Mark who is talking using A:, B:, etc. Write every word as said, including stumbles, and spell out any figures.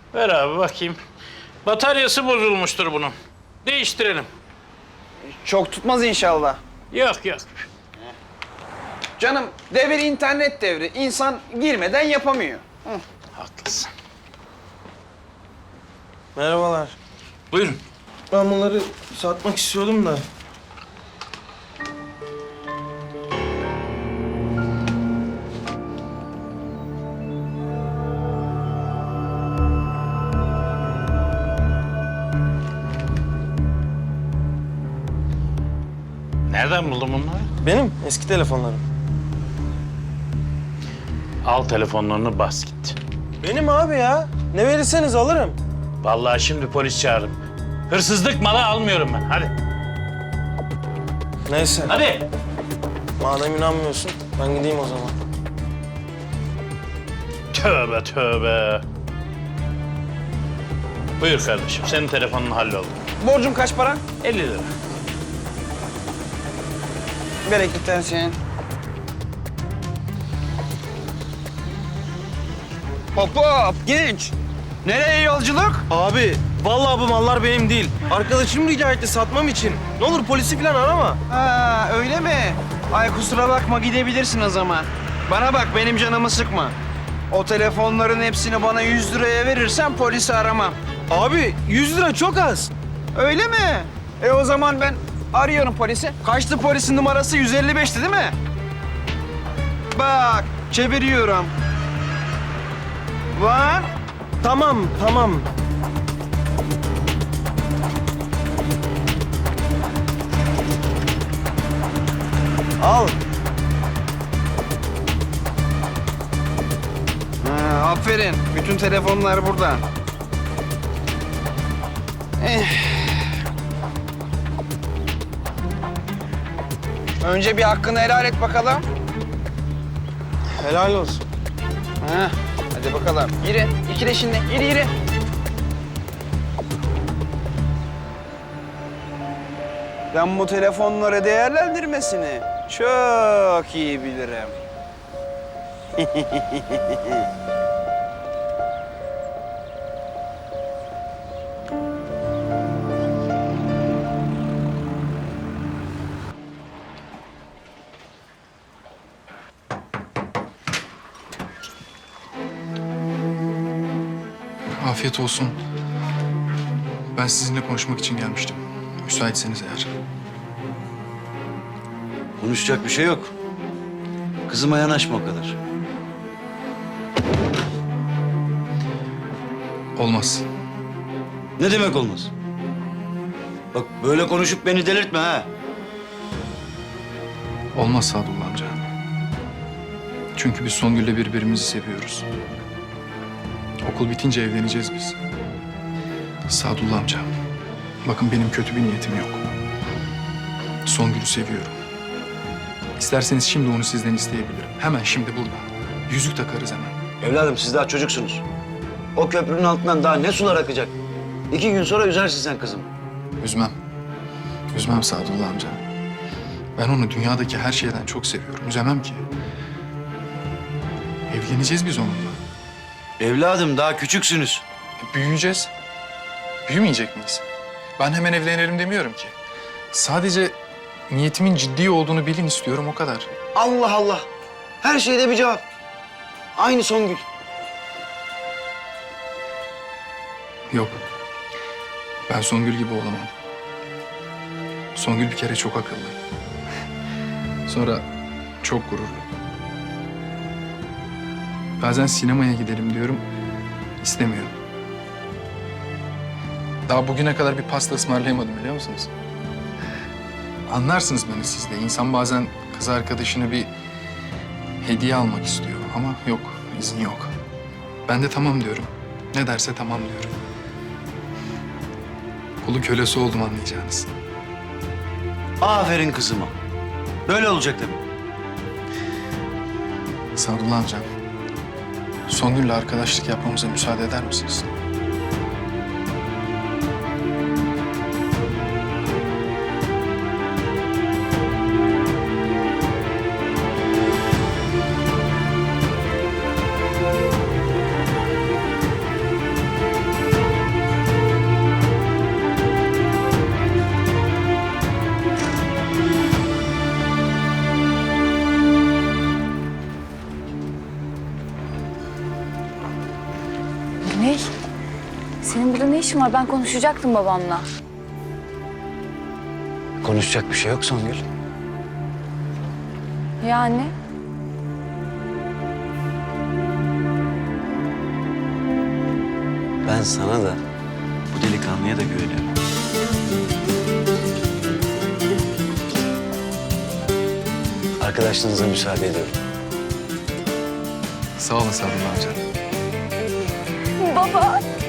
A: Ver abi bakayım. Bataryası bozulmuştur bunun. Değiştirelim.
B: Çok tutmaz inşallah.
A: Yok yok.
B: Canım devir internet devri. İnsan girmeden yapamıyor. Hı.
A: Haklısın.
C: Merhabalar.
A: Buyurun.
C: Ben bunları satmak istiyordum da.
A: Nereden buldun bunları?
C: Benim eski telefonlarım.
A: Al telefonlarını bas git.
C: Benim abi ya. Ne verirseniz alırım.
A: Vallahi şimdi polis çağırırım. Hırsızlık malı almıyorum ben. Hadi.
C: Neyse.
A: Hadi.
C: Madem inanmıyorsun ben gideyim o zaman.
A: Tövbe tövbe. Buyur kardeşim. Senin telefonun halloldu.
B: Borcum kaç para?
A: elli lira.
B: Bereketler senin. Hop hop genç. Nereye yolculuk?
C: Abi vallahi bu mallar benim değil. Arkadaşım rica etti satmam için. Ne olur polisi falan arama.
B: Ha öyle mi? Ay kusura bakma gidebilirsin o zaman. Bana bak benim canımı sıkma. O telefonların hepsini bana yüz liraya verirsen polisi aramam.
C: Abi yüz lira çok az.
B: Öyle mi? E o zaman ben arıyorum polisi. Kaçtı polisin numarası? yüz elli beşti değil mi? Bak çeviriyorum. Var.
C: Tamam tamam. Al.
B: Ha, aferin. Bütün telefonlar burada. Eh. Önce bir hakkını helal et bakalım.
C: Helal olsun.
B: Ha, hadi bakalım. Yürü. İki de şimdi. Yürü yürü. Ben bu telefonları değerlendirmesini çok iyi bilirim.
D: Afiyet olsun. Ben sizinle konuşmak için gelmiştim. Müsaitseniz eğer.
E: Konuşacak bir şey yok. Kızıma yanaşma o kadar.
D: Olmaz.
E: Ne demek olmaz? Bak böyle konuşup beni delirtme ha.
D: Olmaz Sadullah amca. Çünkü biz Songül'le birbirimizi seviyoruz. Okul bitince evleneceğiz biz. Sadullah amca, bakın benim kötü bir niyetim yok. Songül'ü seviyorum. İsterseniz şimdi onu sizden isteyebilirim. Hemen şimdi burada. Yüzük takarız hemen.
E: Evladım siz daha çocuksunuz. O köprünün altından daha ne sular akacak? İki gün sonra üzersin sen kızım.
D: Üzmem. Üzmem Sadullah amca. Ben onu dünyadaki her şeyden çok seviyorum. Üzemem ki. Evleneceğiz biz onunla.
E: Evladım daha küçüksünüz.
D: E, büyüyeceğiz. Büyümeyecek miyiz? Ben hemen evlenelim demiyorum ki. Sadece niyetimin ciddi olduğunu bilin istiyorum, o kadar.
E: Allah Allah. Her şeyde bir cevap. Aynı Songül.
D: Yok. Ben Songül gibi olamam. Songül bir kere çok akıllı. Sonra çok gururlu. Bazen sinemaya gidelim diyorum, istemiyor. Daha bugüne kadar bir pasta ısmarlayamadım, biliyor musunuz? Anlarsınız beni siz de. İnsan bazen kız arkadaşına bir hediye almak istiyor ama yok, izin yok. Ben de tamam diyorum. Ne derse tamam diyorum. Kulu kölesi oldum, anlayacağınız.
E: Aferin kızıma. Böyle olacak tabii.
D: Sadullah amcam, Songül'le arkadaşlık yapmamıza müsaade eder misiniz?
F: Güney, senin burada ne işin var? Ben konuşacaktım babamla.
E: Konuşacak bir şey yok Songül.
F: Yani?
E: Ben sana da bu delikanlıya da güveniyorum. Arkadaşlığınıza müsaade ediyorum.
D: Sağ olun Sadullah amca.
F: Baba!